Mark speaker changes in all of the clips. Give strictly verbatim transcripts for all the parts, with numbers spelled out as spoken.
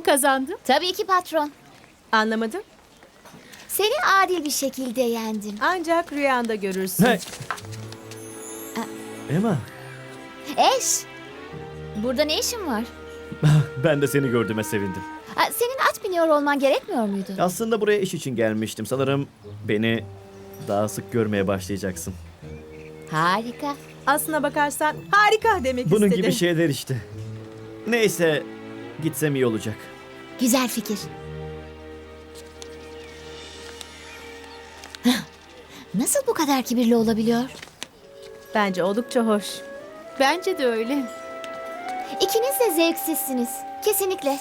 Speaker 1: kazandım?
Speaker 2: Tabii ki patron.
Speaker 1: Anlamadım.
Speaker 2: Seni adil bir şekilde yendim.
Speaker 1: Ancak rüyanda görürsün.
Speaker 3: Hey. Emma,
Speaker 2: Eş, burada ne işin var?
Speaker 3: ben de seni gördüğüme sevindim.
Speaker 2: Ha, senin at biniyor olman gerekmiyor muydu?
Speaker 3: Aslında buraya iş için gelmiştim. Sanırım beni daha sık görmeye başlayacaksın.
Speaker 2: Harika.
Speaker 1: Aslına bakarsan harika demek
Speaker 3: Bunun
Speaker 1: istedim.
Speaker 3: gibi şeyler işte. Neyse, gitsem iyi olacak.
Speaker 2: Güzel fikir. Hah, nasıl bu kadar kibirli olabiliyor?
Speaker 1: Bence oldukça hoş.
Speaker 4: Bence de öyle.
Speaker 2: İkiniz de zevksizsiniz. Kesinlikle.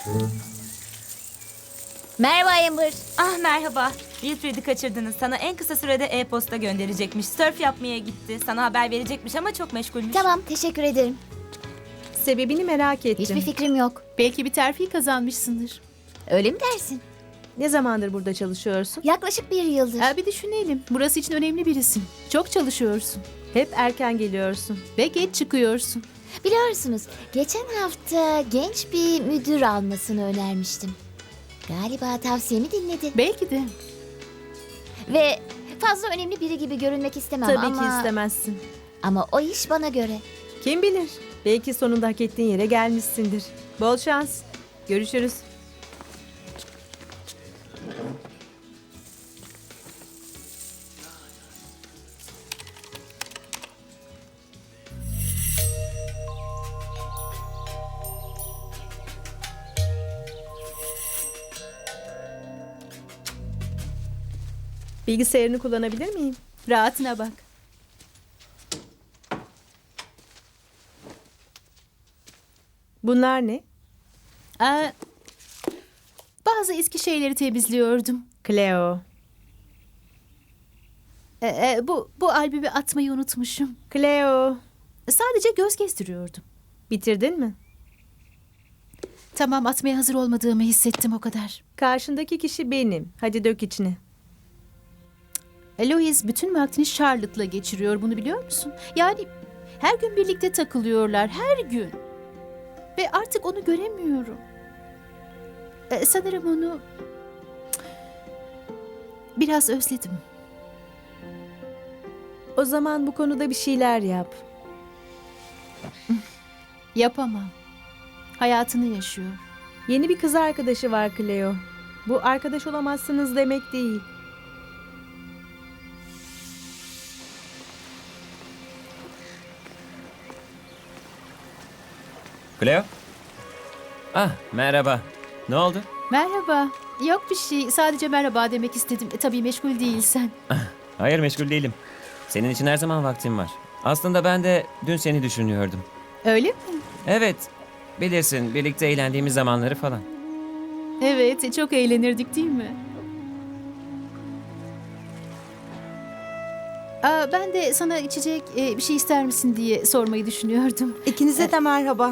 Speaker 2: Merhaba Amber.
Speaker 5: Ah merhaba. Wilfred'i kaçırdınız. Sana en kısa sürede e-posta gönderecekmiş. Sörf yapmaya gitti. Sana haber verecekmiş ama çok meşgulmüş.
Speaker 2: Tamam, teşekkür ederim.
Speaker 1: Sebebini merak ettim.
Speaker 2: Hiçbir fikrim yok.
Speaker 4: Belki bir terfi kazanmışsındır.
Speaker 2: Öyle mi dersin?
Speaker 1: Ne zamandır burada çalışıyorsun?
Speaker 2: Yaklaşık bir yıldır.
Speaker 4: Ha, bir düşünelim. Burası için önemli birisin. Çok çalışıyorsun.
Speaker 1: Hep erken geliyorsun.
Speaker 4: Ve geç çıkıyorsun.
Speaker 2: Biliyorsunuz, geçen hafta genç bir müdür almasını önermiştim. Galiba tavsiyemi dinledi.
Speaker 4: Belki de.
Speaker 2: Ve fazla önemli biri gibi görünmek istemem
Speaker 1: Tabii
Speaker 2: ama...
Speaker 1: ki istemezsin.
Speaker 2: Ama o iş bana göre.
Speaker 1: Kim bilir? Belki sonunda hak ettiğin yere gelmişsindir. Bol şans. Görüşürüz. Bilgisayarını kullanabilir miyim?
Speaker 4: Rahatına bak.
Speaker 1: Bunlar ne?
Speaker 4: Aa, bazı eski şeyleri temizliyordum.
Speaker 1: Cleo.
Speaker 4: Ee, e, bu, bu albümü atmayı unutmuşum.
Speaker 1: Cleo.
Speaker 4: Sadece göz gezdiriyordum.
Speaker 1: Bitirdin mi?
Speaker 4: Tamam, atmaya hazır olmadığımı hissettim, o kadar.
Speaker 1: Karşındaki kişi benim. Hadi dök içine.
Speaker 4: Louise bütün vaktini Charlotte'la geçiriyor, bunu biliyor musun? Yani her gün birlikte takılıyorlar, her gün. Ve artık onu göremiyorum. Ee, sanırım onu biraz özledim.
Speaker 1: O zaman bu konuda bir şeyler yap.
Speaker 4: Yapamam. Hayatını yaşıyor.
Speaker 1: Yeni bir kız arkadaşı var Cleo. Bu arkadaş olamazsınız demek değil.
Speaker 6: Cleo? Ah, merhaba. Ne oldu?
Speaker 4: Merhaba. Yok bir şey. Sadece merhaba demek istedim. E, tabii meşgul değilsen.
Speaker 6: Hayır, meşgul değilim. Senin için her zaman vaktim var. Aslında ben de dün seni düşünüyordum.
Speaker 4: Öyle mi?
Speaker 6: Evet, bilirsin birlikte eğlendiğimiz zamanları falan.
Speaker 4: Evet, çok eğlenirdik değil mi? Aa, ben de sana içecek e, bir şey ister misin diye sormayı düşünüyordum.
Speaker 7: İkinize de merhaba.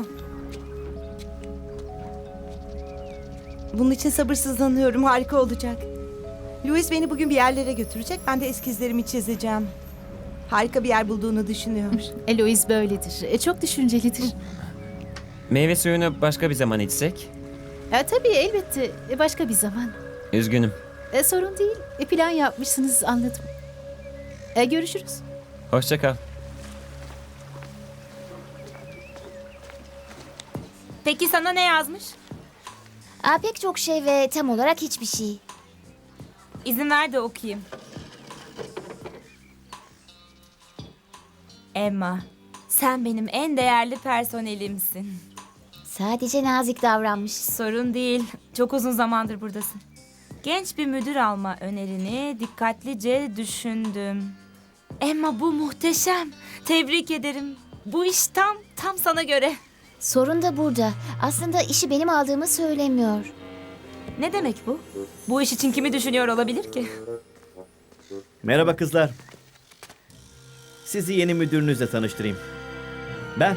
Speaker 7: Bunun için sabırsızlanıyorum. Harika olacak. Louis beni bugün bir yerlere götürecek. Ben de eskizlerimi çizeceğim. Harika bir yer bulduğunu düşünüyor.
Speaker 4: Eloise böyledir. E, çok düşüncelidir.
Speaker 6: Meyve suyunu başka bir zaman içsek?
Speaker 4: E, tabii elbette. E, başka bir zaman.
Speaker 6: Üzgünüm.
Speaker 4: E, sorun değil. E, plan yapmışsınız, anladım. E, görüşürüz.
Speaker 6: Hoşça kal.
Speaker 5: Peki sana ne yazmış?
Speaker 2: Aa, pek çok şey ve tam olarak hiçbir şey.
Speaker 5: İzin ver de okuyayım. Emma, sen benim en değerli personelimsin.
Speaker 2: Sadece nazik davranmış.
Speaker 5: Sorun değil. Çok uzun zamandır buradasın. Genç bir müdür alma önerini dikkatlice düşündüm. Emma, bu muhteşem. Tebrik ederim. Bu iş tam, tam sana göre.
Speaker 2: Sorun da burada. Aslında işi benim aldığımı söylemiyor.
Speaker 5: Ne demek bu? Bu iş için kimi düşünüyor olabilir ki?
Speaker 3: Merhaba kızlar. Sizi yeni müdürünüzle tanıştırayım. Ben.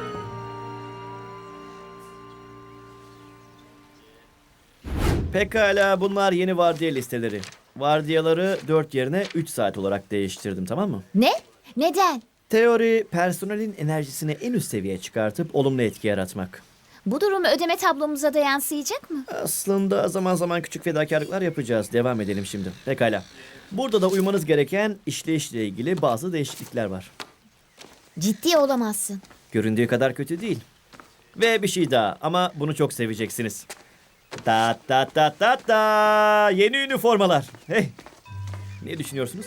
Speaker 3: Pekala, bunlar yeni vardiya listeleri. Vardiyaları dört yerine üç saat olarak değiştirdim, tamam mı?
Speaker 2: Ne? Neden?
Speaker 3: Teori, personelin enerjisini en üst seviyeye çıkartıp olumlu etki yaratmak.
Speaker 2: Bu durum ödeme tablomuza da yansıyacak mı?
Speaker 3: Aslında zaman zaman küçük fedakarlıklar yapacağız. Devam edelim şimdi. Pekala. Burada da uymanız gereken işleyişle ilgili bazı değişiklikler var.
Speaker 2: Ciddi olamazsın.
Speaker 3: Göründüğü kadar kötü değil. Ve bir şey daha ama bunu çok seveceksiniz. Ta ta ta ta ta yeni üniformalar. Hey. Ne düşünüyorsunuz?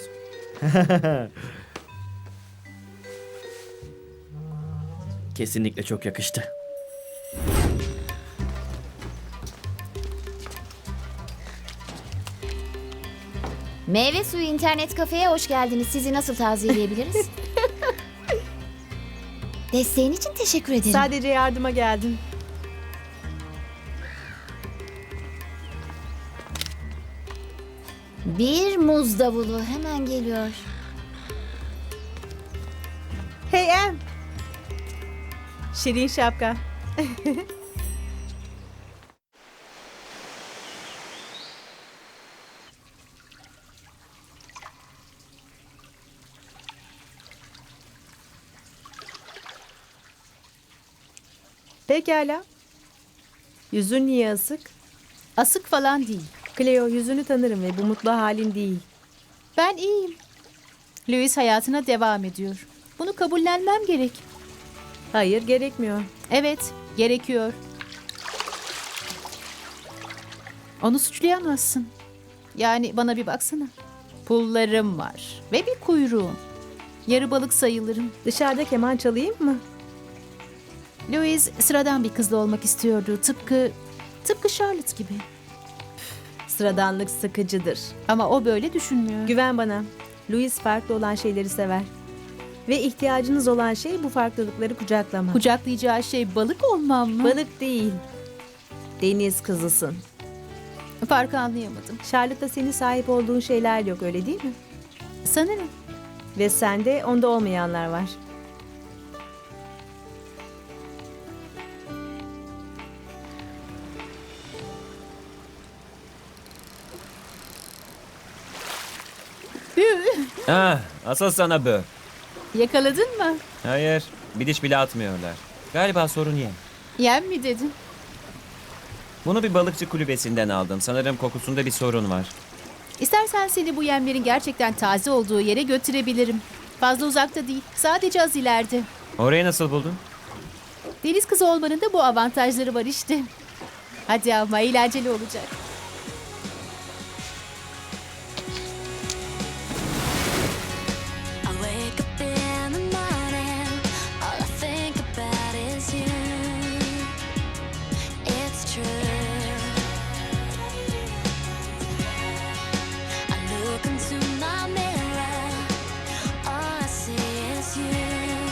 Speaker 3: Kesinlikle çok yakıştı.
Speaker 2: Meyve suyu internet kafeye hoş geldiniz. Sizi nasıl taziyeleyebiliriz? Desteğin için teşekkür ederim.
Speaker 1: Sadece yardıma geldim.
Speaker 2: Bir muz davulu hemen geliyor.
Speaker 1: Hey Em. Şirin şapka. Pekala. Yüzün niye asık?
Speaker 4: Asık falan değil.
Speaker 1: Cleo, yüzünü tanırım ve bu mutlu halin değil.
Speaker 4: Ben iyiyim. Louis hayatına devam ediyor. Bunu kabullenmem gerek.
Speaker 1: Hayır, gerekmiyor.
Speaker 4: Evet, gerekiyor. Onu suçlayamazsın. Yani bana bir baksana. Pullarım var ve bir kuyruğum. Yarı balık sayılırım.
Speaker 1: Dışarıda keman çalayım mı?
Speaker 4: Louis sıradan bir kızla olmak istiyordu. Tıpkı, tıpkı Charlotte gibi.
Speaker 1: Sıradanlık sıkıcıdır.
Speaker 4: Ama o böyle düşünmüyor.
Speaker 1: Güven bana. Louis farklı olan şeyleri sever. Ve ihtiyacınız olan şey bu farklılıkları kucaklamak.
Speaker 4: Kucaklayacağı şey balık olmam mı?
Speaker 1: Balık değil. Deniz kızısın.
Speaker 4: Farkı anlayamadım.
Speaker 1: Charlotte'da senin sahip olduğun şeyler yok, öyle değil mi?
Speaker 4: Sanırım.
Speaker 1: Ve sende onda olmayanlar var.
Speaker 6: Ah, asıl sana bö.
Speaker 4: Yakaladın mı?
Speaker 6: Hayır, bir diş bile atmıyorlar. Galiba sorun yem.
Speaker 4: Yem mi dedin?
Speaker 6: Bunu bir balıkçı kulübesinden aldım. Sanırım kokusunda bir sorun var.
Speaker 4: İstersen seni bu yemlerin gerçekten taze olduğu yere götürebilirim. Fazla uzakta değil, sadece az ileride.
Speaker 6: Orayı nasıl buldun?
Speaker 4: Deniz kızı olmanın da bu avantajları var işte. Hadi ama eğlenceli olacak.
Speaker 8: I wake up in the morning, all I think about is you. It's true. I look into my mirror, all I see is you.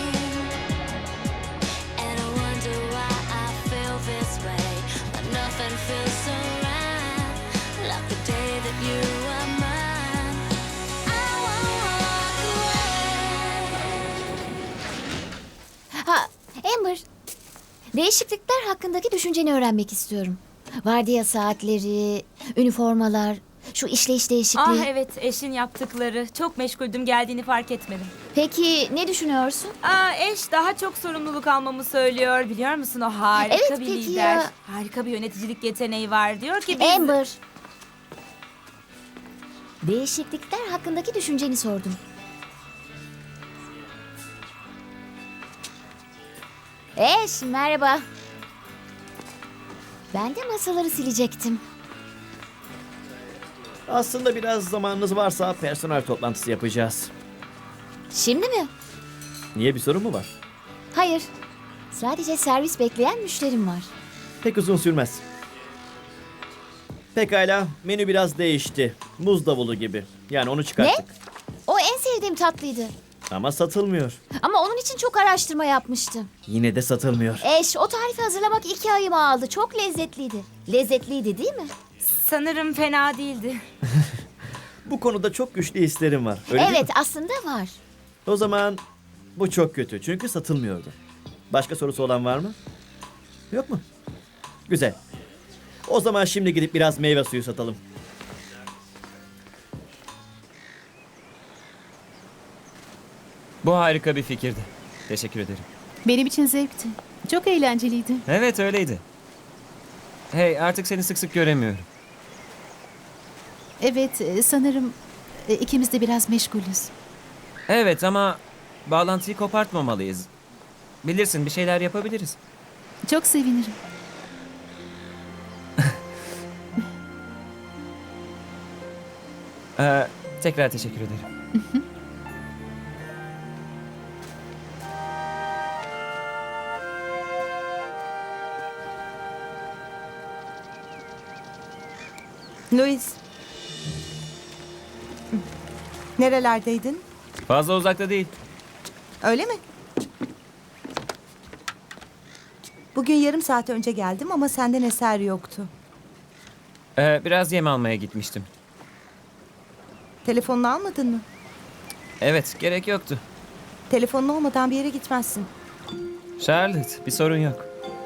Speaker 8: And I wonder why I feel this way, but nothing feels so right, like the day that you were mine. I won't walk away.
Speaker 2: Ha, Amber. Değişiklikler hakkındaki düşünceni öğrenmek istiyorum. Vardiya saatleri, üniformalar, şu işleyiş değişikliği.
Speaker 5: Ah evet, eşin yaptıkları. Çok meşguldüm, geldiğini fark etmedim.
Speaker 2: Peki ne düşünüyorsun?
Speaker 5: Aa, eş daha çok sorumluluk almamı söylüyor. Biliyor musun, o harika
Speaker 2: Evet,
Speaker 5: bir
Speaker 2: peki
Speaker 5: lider.
Speaker 2: ya.
Speaker 5: Harika bir yöneticilik yeteneği var. Diyor ki biz...
Speaker 2: Amber. Değişiklikler hakkındaki düşünceni sordum. Eş, merhaba. Ben de masaları silecektim.
Speaker 3: Aslında biraz zamanınız varsa personel toplantısı yapacağız.
Speaker 2: Şimdi mi?
Speaker 3: Niye, bir sorun mu var?
Speaker 2: Hayır. Sadece servis bekleyen müşterim var.
Speaker 3: Pek uzun sürmez. Pekala, menü biraz değişti. Muz davulu gibi. Yani onu çıkarttık.
Speaker 2: O en sevdiğim tatlıydı.
Speaker 3: Ama satılmıyor.
Speaker 2: Ama onun için çok araştırma yapmıştım.
Speaker 3: Yine de satılmıyor.
Speaker 2: Eş, o tarifi hazırlamak iki ayımı aldı. Çok lezzetliydi. Lezzetliydi değil mi?
Speaker 5: Sanırım fena değildi.
Speaker 3: Bu konuda çok güçlü hislerim var. Öyle değil
Speaker 2: Evet,
Speaker 3: mi?
Speaker 2: aslında var.
Speaker 3: O zaman bu çok kötü çünkü satılmıyordu. Başka sorusu olan var mı? Yok mu? Güzel. O zaman şimdi gidip biraz meyve suyu satalım.
Speaker 6: Bu harika bir fikirdi. Teşekkür ederim.
Speaker 4: Benim için zevkti. Çok eğlenceliydi.
Speaker 6: Evet öyleydi. Hey artık seni sık sık göremiyorum.
Speaker 4: Evet, e, sanırım e, ikimiz de biraz meşgulüz.
Speaker 6: Evet ama bağlantıyı kopartmamalıyız. Bilirsin bir şeyler yapabiliriz.
Speaker 4: Çok sevinirim.
Speaker 6: Ee, tekrar teşekkür ederim.
Speaker 7: Louis. Nerelerdeydin?
Speaker 6: Fazla uzakta değil.
Speaker 7: Öyle mi? Bugün yarım saat önce geldim ama senden eser yoktu.
Speaker 6: Ee, biraz yem almaya gitmiştim.
Speaker 7: Telefonunu almadın mı?
Speaker 6: Evet gerek yoktu.
Speaker 7: Telefonun olmadan bir yere gitmezsin.
Speaker 6: Charlotte bir sorun yok.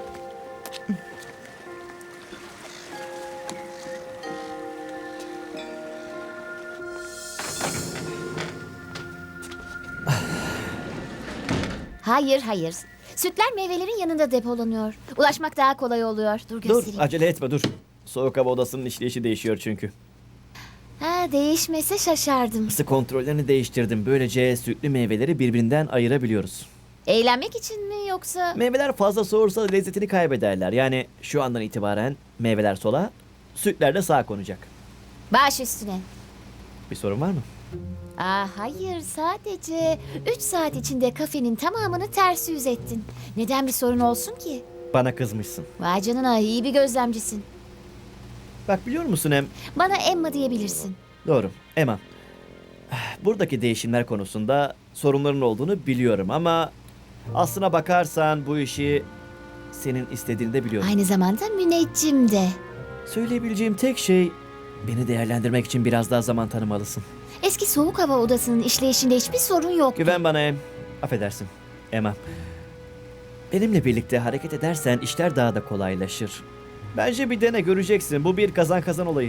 Speaker 2: Hayır hayır. Sütler meyvelerin yanında depolanıyor. Ulaşmak daha kolay oluyor. Dur
Speaker 3: Dur
Speaker 2: göstereyim.
Speaker 3: acele etme dur. Soğuk hava odasının işleyişi değişiyor çünkü.
Speaker 2: Ha, değişmese şaşardım.
Speaker 3: Isı kontrollerini değiştirdim. Böylece sütlü meyveleri birbirinden ayırabiliyoruz.
Speaker 2: Eğlenmek için mi yoksa?
Speaker 3: Meyveler fazla soğursa lezzetini kaybederler. Yani şu andan itibaren meyveler sola, sütler de sağa konacak.
Speaker 2: Baş üstüne.
Speaker 3: Bir sorun var mı?
Speaker 2: Aa, hayır sadece üç saat içinde kafenin tamamını ters yüz ettin. Neden bir sorun olsun ki?
Speaker 3: Bana kızmışsın.
Speaker 2: Vay canına iyi bir gözlemcisin.
Speaker 3: Bak biliyor musun Em?
Speaker 2: Bana Emma diyebilirsin.
Speaker 3: Doğru. Emma. Buradaki değişimler konusunda sorunların olduğunu biliyorum ama aslına bakarsan bu işi senin istediğini de biliyorum.
Speaker 2: Aynı zamanda müneccim de.
Speaker 3: Söyleyebileceğim tek şey beni değerlendirmek için biraz daha zaman tanımalısın.
Speaker 2: Eski soğuk hava odasının işleyişinde hiçbir sorun yok.
Speaker 3: Güven bana Em. Affedersin. Emma. Benimle birlikte hareket edersen işler daha da kolaylaşır. Bence bir dene göreceksin. Bu bir kazan kazan olayı.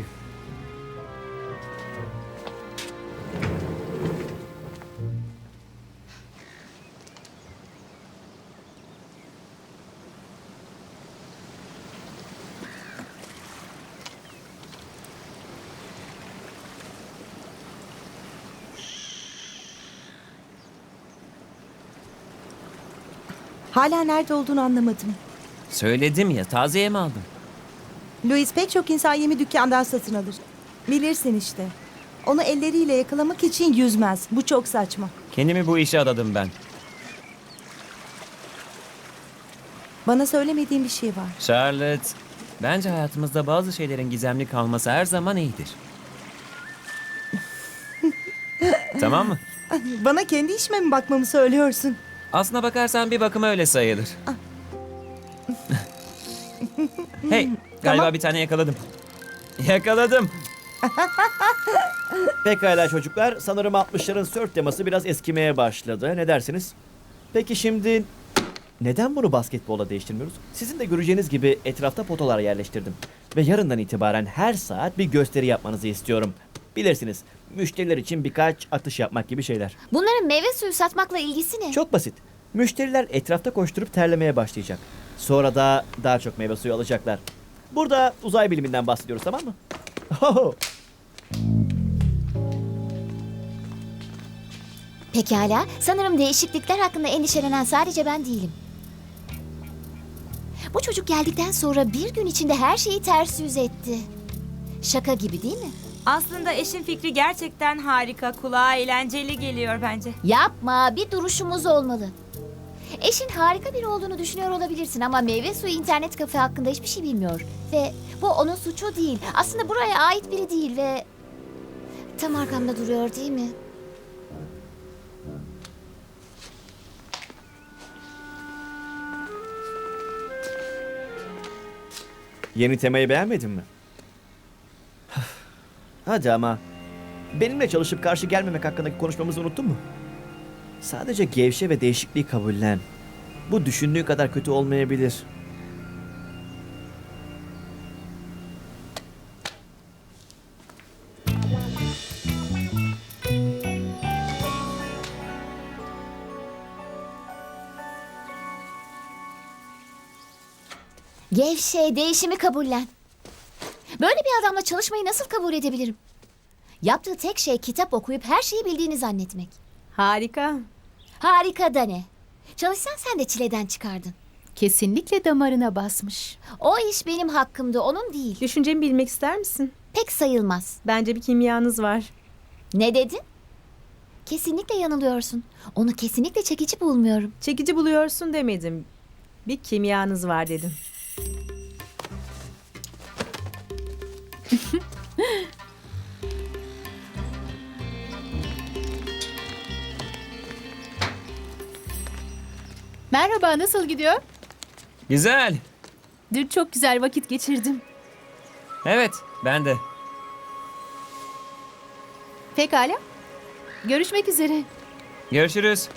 Speaker 7: Hala nerede olduğunu anlamadım.
Speaker 6: Söyledim ya taze yem aldım.
Speaker 7: Louis pek çok insan yemi dükkandan satın alır. Bilirsin işte. Onu elleriyle yakalamak için yüzmez. Bu çok saçma.
Speaker 6: Kendimi bu işe adadım ben.
Speaker 7: Bana söylemediğin bir şey var.
Speaker 6: Charlotte, bence hayatımızda bazı şeylerin gizemli kalması her zaman iyidir. Tamam mı?
Speaker 7: Bana kendi işime mi bakmamı söylüyorsun?
Speaker 6: Aslına bakarsan bir bakıma öyle sayılır. Hey, galiba
Speaker 7: Tamam.
Speaker 6: bir tane yakaladım. Yakaladım.
Speaker 3: Pekala çocuklar. Sanırım altmışların sörf teması biraz eskimeye başladı. Ne dersiniz? Peki şimdi neden bunu basketbola değiştirmiyoruz? Sizin de göreceğiniz gibi etrafta potalar yerleştirdim. Ve yarından itibaren her saat bir gösteri yapmanızı istiyorum. Bilirsiniz, müşteriler için birkaç atış yapmak gibi şeyler.
Speaker 2: Bunların meyve suyu satmakla ilgisi ne?
Speaker 3: Çok basit. Müşteriler etrafta koşturup terlemeye başlayacak. Sonra da daha çok meyve suyu alacaklar. Burada uzay biliminden bahsediyoruz, tamam mı? Ho!
Speaker 2: Pekala. Sanırım değişiklikler hakkında endişelenen sadece ben değilim. Bu çocuk geldikten sonra bir gün içinde her şeyi ters yüz etti. Şaka gibi değil mi?
Speaker 5: Aslında eşin fikri gerçekten harika. Kulağa eğlenceli geliyor bence.
Speaker 2: Yapma, bir duruşumuz olmalı. Eşin harika biri olduğunu düşünüyor olabilirsin ama meyve suyu internet kafe hakkında hiçbir şey bilmiyor. Ve bu onun suçu değil. Aslında buraya ait biri değil ve... Tam arkamda duruyor değil mi?
Speaker 3: Yeni temayı beğenmedin mi? Hadi ama. Benimle çalışıp karşı gelmemek hakkındaki konuşmamızı unuttun mu? Sadece gevşe ve değişikliği kabullen. Bu düşündüğü kadar kötü olmayabilir.
Speaker 2: Gevşe, değişimi kabullen. Böyle bir adamla çalışmayı nasıl kabul edebilirim? Yaptığı tek şey kitap okuyup her şeyi bildiğini zannetmek.
Speaker 1: Harika.
Speaker 2: Harika da ne? Çalışsan sen de çileden çıkardın.
Speaker 4: Kesinlikle damarına basmış.
Speaker 2: O iş benim hakkımda, onun değil.
Speaker 1: Düşüncemi bilmek ister misin?
Speaker 2: Pek sayılmaz.
Speaker 1: Bence bir kimyanız var.
Speaker 2: Ne dedin? Kesinlikle yanılıyorsun. Onu kesinlikle çekici bulmuyorum.
Speaker 1: Çekici buluyorsun demedim. Bir kimyanız var dedim.
Speaker 4: Merhaba, nasıl gidiyor?
Speaker 6: Güzel.
Speaker 4: Dün çok güzel vakit geçirdim.
Speaker 6: Evet, ben de.
Speaker 4: Pekala. Görüşmek üzere.
Speaker 6: Görüşürüz.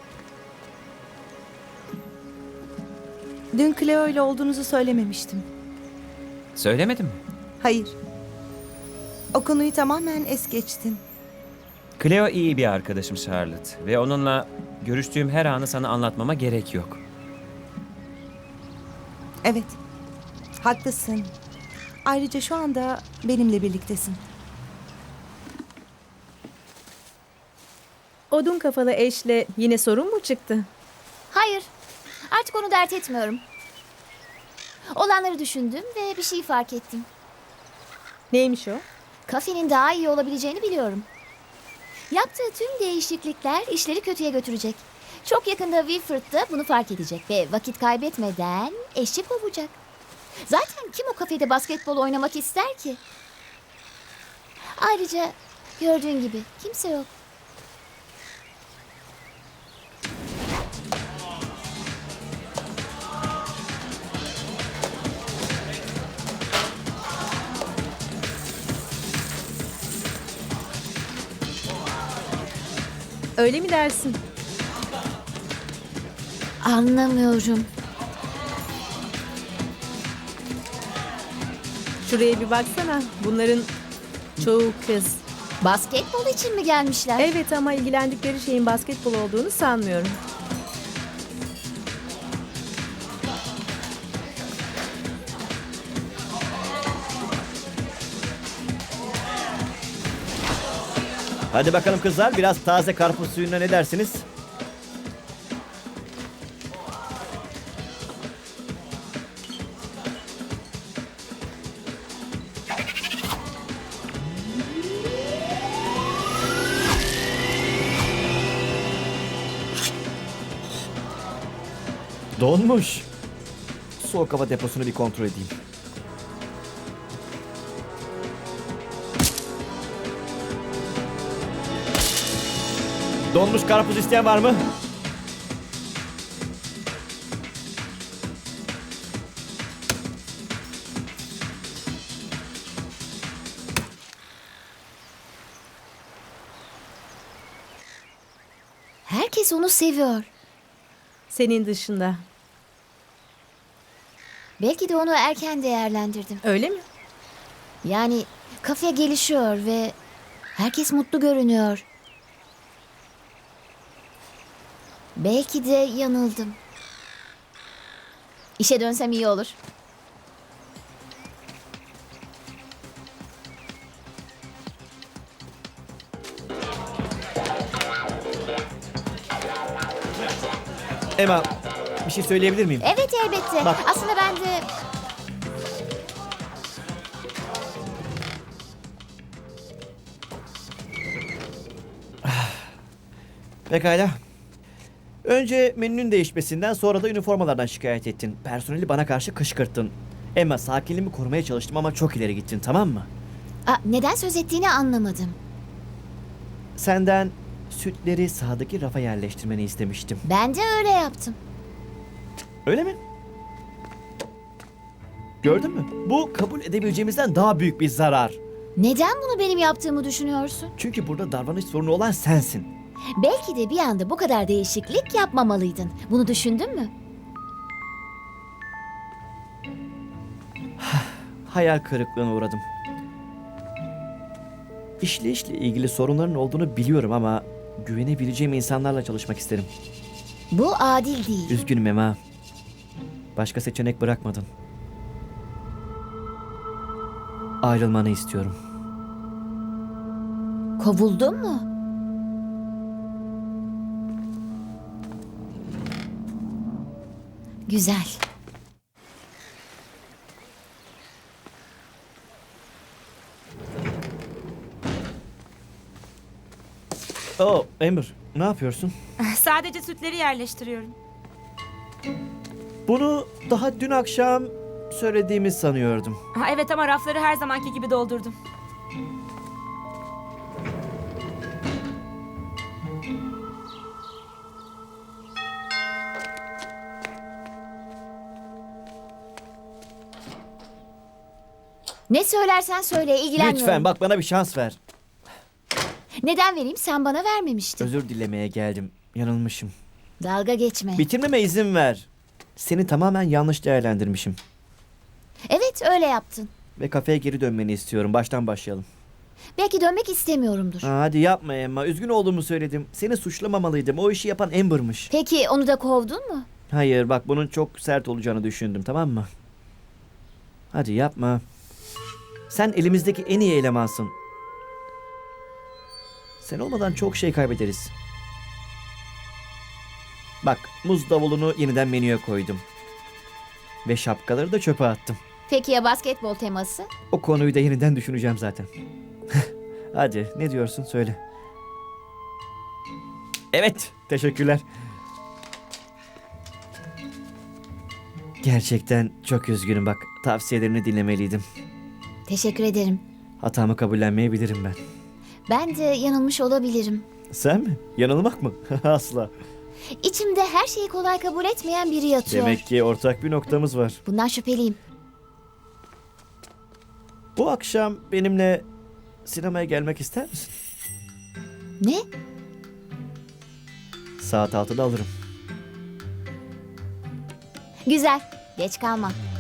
Speaker 7: Dün Cleo ile olduğunuzu söylememiştim.
Speaker 6: Söylemedim mi?
Speaker 7: Hayır. O konuyu tamamen es geçtin.
Speaker 6: Cleo iyi bir arkadaşım Charlotte. Ve onunla görüştüğüm her anı sana anlatmama gerek yok.
Speaker 7: Evet. Haklısın. Ayrıca şu anda benimle birliktesin.
Speaker 1: Odun kafalı eşle yine sorun mu çıktı?
Speaker 2: Hayır, artık onu dert etmiyorum. Olanları düşündüm ve bir şey fark ettim.
Speaker 1: Neymiş o?
Speaker 2: Kafenin daha iyi olabileceğini biliyorum. Yaptığı tüm değişiklikler işleri kötüye götürecek. Çok yakında Wilfred da bunu fark edecek ve vakit kaybetmeden eşi kovacak. Zaten kim o kafede basketbol oynamak ister ki? Ayrıca gördüğün gibi kimse yok.
Speaker 1: Öyle mi dersin?
Speaker 2: Anlamıyorum.
Speaker 1: Şuraya bir baksana. Bunların çoğu kız.
Speaker 2: Basketbol için mi gelmişler?
Speaker 1: Evet ama ilgilendikleri şeyin basketbol olduğunu sanmıyorum.
Speaker 3: Hadi bakalım kızlar, biraz taze karpuz suyuna ne dersiniz? Donmuş. Soğuk hava deposunu bir kontrol edeyim. Donmuş karpuz isteyen var mı?
Speaker 2: Herkes onu seviyor.
Speaker 1: Senin dışında.
Speaker 2: Belki de onu erken değerlendirdim.
Speaker 1: Öyle mi?
Speaker 2: Yani kafe gelişiyor ve herkes mutlu görünüyor. Belki de yanıldım. İşe dönsem iyi olur.
Speaker 3: Emma, bir şey söyleyebilir miyim?
Speaker 2: Evet elbette.
Speaker 3: Bak.
Speaker 2: Aslında ben de...
Speaker 3: Pekala. Önce menünün değişmesinden, sonra da üniformalardan şikayet ettin. Personeli bana karşı kışkırttın. Emma, sakinliğimi korumaya çalıştım ama çok ileri gittin, tamam mı?
Speaker 2: Aa, neden söz ettiğini anlamadım.
Speaker 3: Senden sütleri sağdaki rafa yerleştirmeni istemiştim.
Speaker 2: Ben de öyle yaptım.
Speaker 3: Öyle mi? Gördün mü? Bu kabul edebileceğimizden daha büyük bir zarar.
Speaker 2: Neden bunu benim yaptığımı düşünüyorsun?
Speaker 3: Çünkü burada davranış sorunu olan sensin.
Speaker 2: Belki de bir anda bu kadar değişiklik yapmamalıydın. Bunu düşündün mü?
Speaker 3: Hayal kırıklığına uğradım. İşleyişle ilgili sorunların olduğunu biliyorum ama güvenebileceğim insanlarla çalışmak isterim.
Speaker 2: Bu adil değil.
Speaker 3: Üzgünüm Emma. Başka seçenek bırakmadın. ayrılmanı istiyorum.
Speaker 2: Kovuldun mu? Güzel.
Speaker 3: Oh, Amber, ne yapıyorsun?
Speaker 5: Sadece sütleri yerleştiriyorum.
Speaker 3: Bunu daha dün akşam söylediğimi sanıyordum.
Speaker 5: Ha, evet ama rafları her zamanki gibi doldurdum.
Speaker 2: Ne söylersen söyle, ilgilenmiyorum.
Speaker 3: Lütfen bak, bana bir şans ver.
Speaker 2: Neden vereyim? Sen bana vermemiştin.
Speaker 3: Özür dilemeye geldim. Yanılmışım.
Speaker 2: Dalga geçme.
Speaker 3: Bitirmeme izin ver. Seni tamamen yanlış değerlendirmişim.
Speaker 2: Evet, öyle yaptın.
Speaker 3: Ve kafeye geri dönmeni istiyorum. Baştan başlayalım.
Speaker 2: Belki dönmek istemiyorumdur.
Speaker 3: Aa, hadi yapma Emma. Üzgün olduğumu söyledim. Seni suçlamamalıydım. O işi yapan Amber'mış.
Speaker 2: Peki onu da kovdun mu?
Speaker 3: Hayır, bak bunun çok sert olacağını düşündüm, tamam mı? Hadi yapma. Sen elimizdeki en iyi elemansın. Sen olmadan çok şey kaybederiz. Bak, muz davulunu yeniden menüye koydum. Ve şapkaları da çöpe attım.
Speaker 2: Peki ya basketbol teması?
Speaker 3: O konuyu da yeniden düşüneceğim zaten. Hadi, ne diyorsun söyle. Evet, teşekkürler. Gerçekten çok üzgünüm bak. Tavsiyelerini dinlemeliydim.
Speaker 2: Teşekkür ederim.
Speaker 3: Hatamı kabullenmeyebilirim ben.
Speaker 2: Ben de yanılmış olabilirim.
Speaker 3: Sen mi? Yanılmak mı? Asla.
Speaker 2: İçimde her şeyi kolay kabul etmeyen biri yatıyor.
Speaker 3: Demek ki ortak bir noktamız var.
Speaker 2: Bundan şüpheliyim.
Speaker 3: Bu akşam benimle sinemaya gelmek ister misin?
Speaker 2: Ne?
Speaker 3: Saat altıda alırım.
Speaker 2: Güzel. Geç kalma.